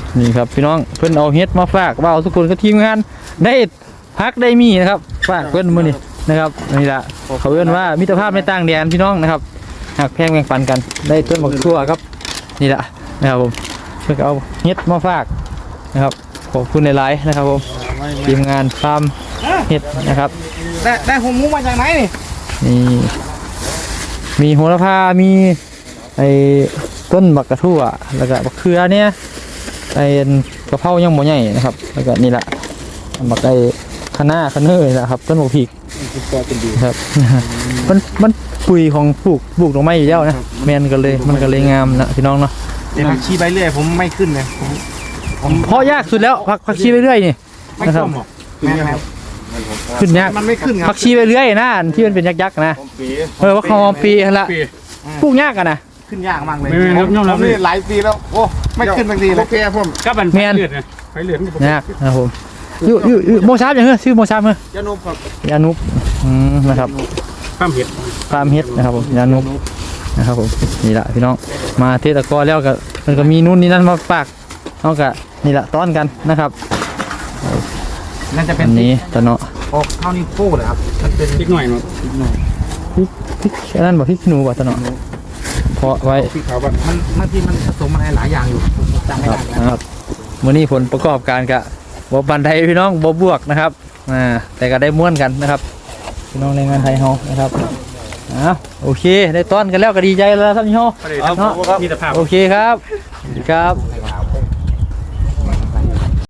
นี่ครับพี่น้องเพิ่นเอาเฮ็ดมาฝากว่าทุกคนก็ทีมงานได้พักได้มีนะครับฝากเพิ่นมื้อนี้นะครับนี่ล่ะเขาเอิ้นว่ามิตรภาพในต่างแดนพี่น้องนะครับหักแพงแบ่งปันกันได้ต้นบักทั่วครับนี่ล่ะนะครับผมเพิ่นก็เอาเฮ็ดมาฝากนะครับขอบคุณหลายๆนะครับผมทีมงานฟาร์มเฮ็ดนะครับได้หัวหมูมาจากไหนนี่นี่มีโหระพามีไอ้ต้นบักกระทั่วแล้วก็บักเขือเนี่ยไอ้กระเพรายังบ่ใหญ่นะครับแล้วก็นี่แหละบักไอ้คะน้าคะเนยนะครับต้นบักพริกครับมันปุ๋ยของปลูกดอกไม้อยู่แล้วนะแมนกันเลยมันก็เลยงามนะพี่น้องเนาะแต่ผักชีใบเลื่อยผมไม่ขึ้นเลยเพราะยากสุดแล้วผักชีไปเรื่อยนี่ไม่นะครับส้มหรอกแม่ครับขึ้นยากมันไม่ขึ้นครับผักชีไปเรื่อยนะที่มันเป็นยักษ์ๆนะว่าเขาปีละปลูกยากกันนะขึ้นยากมากเลยผมนี่หลายปีแล้วโอ้ไม่ขึ้นบางทีเลยแกผมก็เป็นไฟเลือดนะไฟเลือดยากนะครับผมอยู่โมชาบอย่างเงี้ยชื่อโมชาบเหรอยานุครับยานุบนะครับข้ามเห็ดฟาร์มเฮ็ดนะครับผมยานุบนะครับผมนี่แหละพี่น้องมาเทศกรแล้วก็มันก็มีนู่นนี่นั่นมาฝากเอากะนี่แหละต้อนกันนะครับนั่นจะเป็อันนนี้ตะเนาะออกเท่านี้โป้เลยครับมันเป็นนิดหน่อยมั้งพริกอันนั้นบอกพริกขี้หนูบอกตะเนาะเพาะไว้ที่เขาแบบมันบางทีมันผสมอะไรหลายอย่างอยู่จำไม่ครัได้บนะครับมื้อนี้ผลประกอบการกะบ่บันไดพี่น้องบ่บวกนะครับแต่ก็ได้ม้วนกันนะครับพี่น้องแรงงานไทยเฮานะครับโอเคได้ต้อนกันแล้วก็ดีใจแล้วครับพี่เฮามีแต่ภาพโอเคครับสวัสดีครับ